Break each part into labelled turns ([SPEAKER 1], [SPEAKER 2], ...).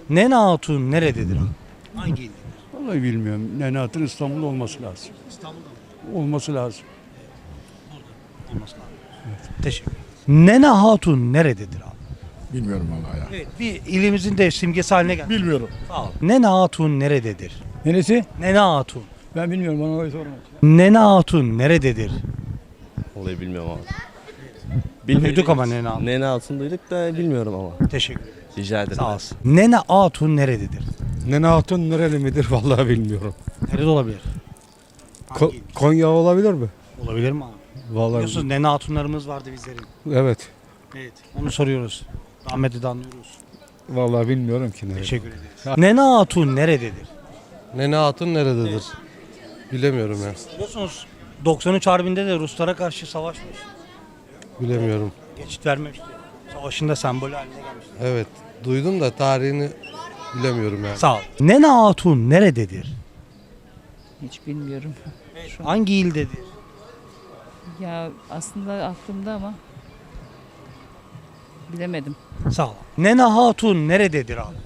[SPEAKER 1] Nene Hatun nerededir abi? Hangi ildedir?
[SPEAKER 2] Vallahi bilmiyorum. Nene Hatun İstanbul'da olması lazım.
[SPEAKER 1] İstanbul'da mı?
[SPEAKER 2] Olması lazım.
[SPEAKER 1] Olması lazım. Evet. Teşekkür ederim. Nene Hatun nerededir abi?
[SPEAKER 3] Bilmiyorum vallahi ya.
[SPEAKER 1] Evet, bir ilimizin de simgesi haline geldi.
[SPEAKER 3] Bilmiyorum.
[SPEAKER 1] Sağ ol. Nene Hatun nerededir?
[SPEAKER 2] Neresi?
[SPEAKER 1] Nene Hatun.
[SPEAKER 2] Ben bilmiyorum. Bana orayı sorma.
[SPEAKER 1] Nene Hatun nerededir?
[SPEAKER 4] Vallahi bilmiyorum ama.
[SPEAKER 1] Duyduk ama Nene Hatun.
[SPEAKER 4] Nene Hatun duyduk da bilmiyorum ama.
[SPEAKER 1] Teşekkür ederim.
[SPEAKER 4] Rica ederim.
[SPEAKER 1] Sağ olsun. Nene Hatun nerededir?
[SPEAKER 5] Nene Hatun nereli midir vallahi bilmiyorum.
[SPEAKER 1] Nerede olabilir? Hangi il?
[SPEAKER 5] Konya olabilir mi?
[SPEAKER 1] Olabilir mi abi?
[SPEAKER 5] Vallahi
[SPEAKER 1] Biliyorsunuz Nene Hatunlarımız vardı bizlerin.
[SPEAKER 5] evet.
[SPEAKER 1] Evet. Onu soruyoruz. Rahmetli de anlıyoruz.
[SPEAKER 5] Vallahi bilmiyorum ki nereli.
[SPEAKER 1] Teşekkür ederiz. Nene Hatun nerededir?
[SPEAKER 6] Nene Hatun nerededir? Bilemiyorum ya.
[SPEAKER 1] Biliyorsunuz 93 Harbi'nde de Ruslara karşı savaşmış.
[SPEAKER 6] Bilemiyorum.
[SPEAKER 1] Geçit vermemişti. Savaşında sembolü haline gelmişti.
[SPEAKER 6] Evet. Duydum da tarihini bilemiyorum yani.
[SPEAKER 1] Sağ ol. Nene Hatun nerededir?
[SPEAKER 7] Hiç bilmiyorum.
[SPEAKER 1] Hangi ildedir?
[SPEAKER 7] Ya aslında aklımda ama bilemedim.
[SPEAKER 1] Sağ ol. Nene Hatun nerededir abi?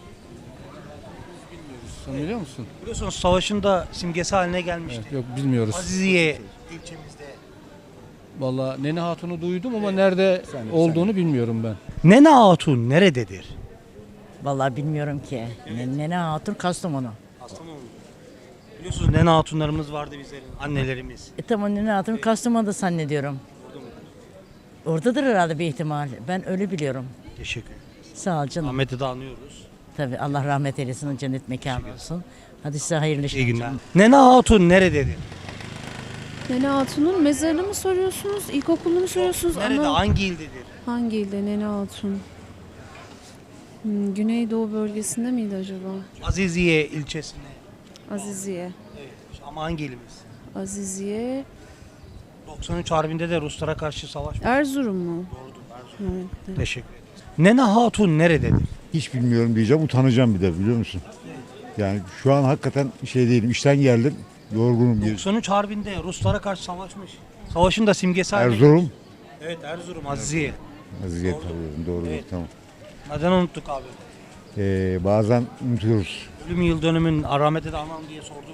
[SPEAKER 5] Sen biliyor musun?
[SPEAKER 1] Biliyorsunuz savaşında simgesi haline gelmişti.
[SPEAKER 5] Yok bilmiyoruz.
[SPEAKER 1] Aziziye ilçemizde.
[SPEAKER 5] Vallahi Nene Hatun'u duydum ama nerede olduğunu bilmiyorum ben.
[SPEAKER 1] Nene Hatun nerededir?
[SPEAKER 8] Vallahi bilmiyorum ki. Nene Hatun Kastamonu.
[SPEAKER 1] Biliyorsunuz Nene Hatunlarımız vardı bizlerin, annelerimiz.
[SPEAKER 8] Tamam Nene Hatun Kastamonu'da zannediyorum. Oradadır herhalde bir ihtimal. Ben öyle biliyorum.
[SPEAKER 1] Teşekkür ederim.
[SPEAKER 8] Sağ ol canım.
[SPEAKER 1] Ahmet'i de anıyoruz.
[SPEAKER 8] Tabii Allah rahmet eylesin, cennet mekanı olsun. Hadi size hayırlı işler.
[SPEAKER 1] İyi günler. Nene Hatun nerededir?
[SPEAKER 9] Nene Hatun'un mezarını mı soruyorsunuz, ilkokulunu mu soruyorsunuz?
[SPEAKER 1] Nerede? Hangi ildedir?
[SPEAKER 9] Hangi ilde Nene Hatun? Güneydoğu bölgesinde miydi acaba?
[SPEAKER 1] Aziziye ilçesinde.
[SPEAKER 9] Aziziye.
[SPEAKER 1] Evet. Ama hangi ilimiz?
[SPEAKER 9] Aziziye.
[SPEAKER 1] 93 Harbi'nde de Ruslara karşı savaşmış.
[SPEAKER 9] Erzurum mu?
[SPEAKER 1] Doğrudur.
[SPEAKER 9] Evet.
[SPEAKER 1] Teşekkür ederiz. Nene Hatun nerededir?
[SPEAKER 3] Hiç bilmiyorum diyeceğim. Utanacağım bir de biliyor musun? Yani şu an hakikaten şey değilim. İşten geldim. Yorgunum.
[SPEAKER 1] 93 Harbi'nde Ruslara karşı savaşmış. Savaşın da simgesi haline
[SPEAKER 3] Erzurum.
[SPEAKER 1] Evet Erzurum, Aziziye.
[SPEAKER 3] Aziziyet alıyorum. Doğru.
[SPEAKER 1] Evet.
[SPEAKER 3] Tamam.
[SPEAKER 1] Neden unuttuk abi?
[SPEAKER 3] Bazen unutuyoruz.
[SPEAKER 1] Ölüm yıl dönümün rahmete de anam diye sorduk.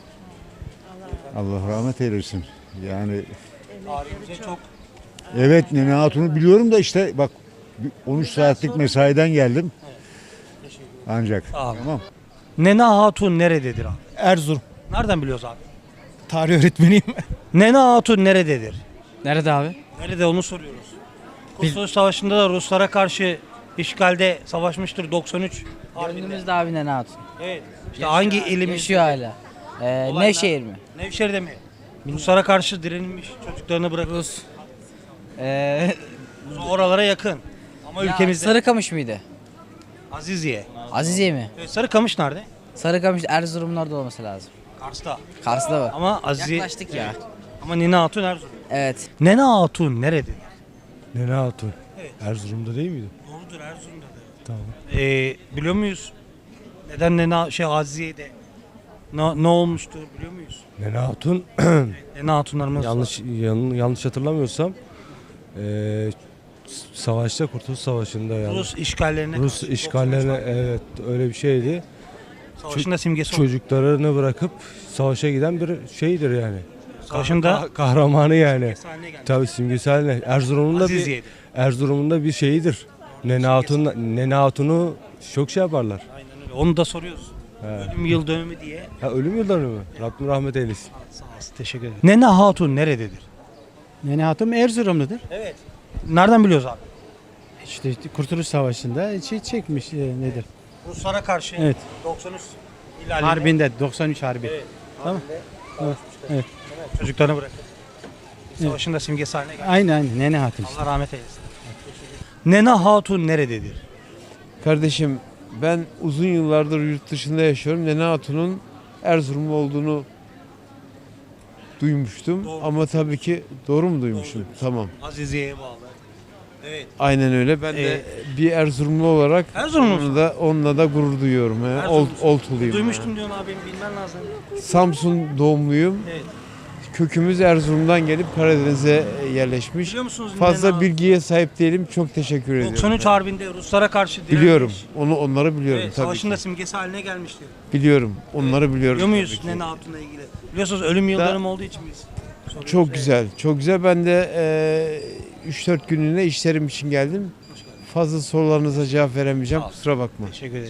[SPEAKER 3] Allah rahmet eylesin. Yani
[SPEAKER 1] Tarihimize çok
[SPEAKER 3] evet Nene Hatun'u biliyorum da işte bak 13 saatlik mesaiden geldim. Ancak.
[SPEAKER 1] Sağ ol.
[SPEAKER 3] Tamam.
[SPEAKER 1] Nene Hatun nerededir abi?
[SPEAKER 5] Erzurum.
[SPEAKER 1] Nereden biliyoruz abi?
[SPEAKER 5] Tarih öğretmeniyim.
[SPEAKER 1] Nene Hatun nerededir?
[SPEAKER 5] Nerede abi?
[SPEAKER 1] Nerede onu soruyoruz. Kurtuluş Savaşı'nda da Ruslara karşı işgalde savaşmıştır 93 Harbi'nde.
[SPEAKER 7] Gönlümüzde abi Nene Hatun.
[SPEAKER 1] Evet. İşte hangi ilimiz?
[SPEAKER 7] Yaşıyor hala.
[SPEAKER 1] Olaylar-
[SPEAKER 7] Nevşehir mi?
[SPEAKER 1] Nevşehir'de mi? Ruslara karşı direnilmiş çocuklarını bırakıp
[SPEAKER 7] Rus. Ee,
[SPEAKER 1] oralara yakın. Ama ülkemizde
[SPEAKER 7] Sarıkamış mıydı?
[SPEAKER 1] Aziziye.
[SPEAKER 7] Aziziye mi?
[SPEAKER 1] Evet, Sarıkamış nerede?
[SPEAKER 7] Sarıkamış Erzurum'un orada olması lazım.
[SPEAKER 1] Kars'ta.
[SPEAKER 7] Kars'ta mı?
[SPEAKER 1] Ama Aziziye.
[SPEAKER 7] Yaklaştık ya.
[SPEAKER 1] Ama Nene Hatun Erzurum.
[SPEAKER 7] Evet.
[SPEAKER 1] Nene Hatun nerededir?
[SPEAKER 5] Nene Hatun.
[SPEAKER 1] Evet.
[SPEAKER 5] Erzurum'da değil miydi?
[SPEAKER 1] Doğrudur Erzurum'da da.
[SPEAKER 5] Tamam.
[SPEAKER 1] Biliyor muyuz? Neden Nene Aziziye'de ne olmuştu biliyor muyuz?
[SPEAKER 5] Nene Hatun
[SPEAKER 1] Nene Hatunlarımız var.
[SPEAKER 5] yanlış hatırlamıyorsam savaşta Kurtuluş Savaşı'nda yani
[SPEAKER 1] Rus işgallerine
[SPEAKER 5] Rus
[SPEAKER 1] karşı
[SPEAKER 5] işgallerine evet öyle bir şeydi.
[SPEAKER 1] savaşında simgesi oldu.
[SPEAKER 5] Çocuklarını bırakıp savaşa giden bir şeydir yani.
[SPEAKER 1] Savaşında
[SPEAKER 5] Kahramanı yani.
[SPEAKER 1] simgesi haline geldi.
[SPEAKER 5] Tabii simgesi haline. Erzurum'un da bir şeyidir. Nene Hatun'u çok şey yaparlar.
[SPEAKER 1] Aynen öyle. Onu da soruyoruz. Ölüm yıl dönümü diye.
[SPEAKER 5] Ha, ölüm yılları mı? Rabbim rahmet eylesin.
[SPEAKER 1] Sağ olasın. Teşekkür ederim. Nene Hatun nerededir?
[SPEAKER 2] Nene Hatun Erzurumludur.
[SPEAKER 1] Evet. Nereden biliyoruz abi?
[SPEAKER 2] İşte Kurtuluş Savaşı'nda çekmiş nedir?
[SPEAKER 1] Ruslara karşı
[SPEAKER 2] Evet.
[SPEAKER 1] 93 ilalinde.
[SPEAKER 2] Harbinde 93 Harbi.
[SPEAKER 1] Evet.
[SPEAKER 2] Tamam.
[SPEAKER 1] Evet.
[SPEAKER 2] Evet.
[SPEAKER 1] Çocuklarını bırakıp savaşın da simgesi haline geldi.
[SPEAKER 2] Aynen Nene Hatun.
[SPEAKER 1] Allah rahmet eylesin. Nene Hatun nerededir?
[SPEAKER 6] Kardeşim ben uzun yıllardır yurt dışında yaşıyorum. Nene Hatun'un Erzurumlu olduğunu duymuştum.
[SPEAKER 1] Doğru.
[SPEAKER 6] Ama tabii ki doğru mu duymuşum?
[SPEAKER 1] duymuşsun.
[SPEAKER 6] Tamam.
[SPEAKER 1] Aziziye'ye bağlı. Evet.
[SPEAKER 6] Aynen öyle. Ben de bir Erzurumlu olarak
[SPEAKER 1] Erzurumlu musun?
[SPEAKER 6] onunla da gurur duyuyorum.
[SPEAKER 1] Erzurumlusun.
[SPEAKER 6] Oltuluyum.
[SPEAKER 1] Duymuştum diyorsun abi bilmen lazım.
[SPEAKER 6] Samsun doğumluyum.
[SPEAKER 1] Evet.
[SPEAKER 6] kökümüz Erzurum'dan gelip Karadeniz'e yerleşmiş.
[SPEAKER 1] Biliyor musunuz
[SPEAKER 6] Fazla
[SPEAKER 1] Nene
[SPEAKER 6] bilgiye sahip değilim. Çok teşekkür ediyorum.
[SPEAKER 1] 93 Harbi'nde Ruslara karşı direnmiş.
[SPEAKER 6] Biliyorum. Onları biliyorum
[SPEAKER 1] Evet,
[SPEAKER 6] tabii
[SPEAKER 1] savaşın da
[SPEAKER 6] ki.
[SPEAKER 1] simgesi haline gelmişti.
[SPEAKER 6] Biliyorum. Onları biliyorum.
[SPEAKER 1] Biliyor muyuz
[SPEAKER 6] tabii ki.
[SPEAKER 1] Nene Hatun'la ilgili? Biliyorsunuz ölüm yıldönümü olduğu için biz soruyoruz.
[SPEAKER 6] Çok
[SPEAKER 1] Evet.
[SPEAKER 6] güzel. Çok güzel. Ben de 3-4 günlüğüne işlerim için geldim. Fazla sorularınıza cevap veremeyeceğim. Kusura bakma.
[SPEAKER 1] Teşekkür ederim.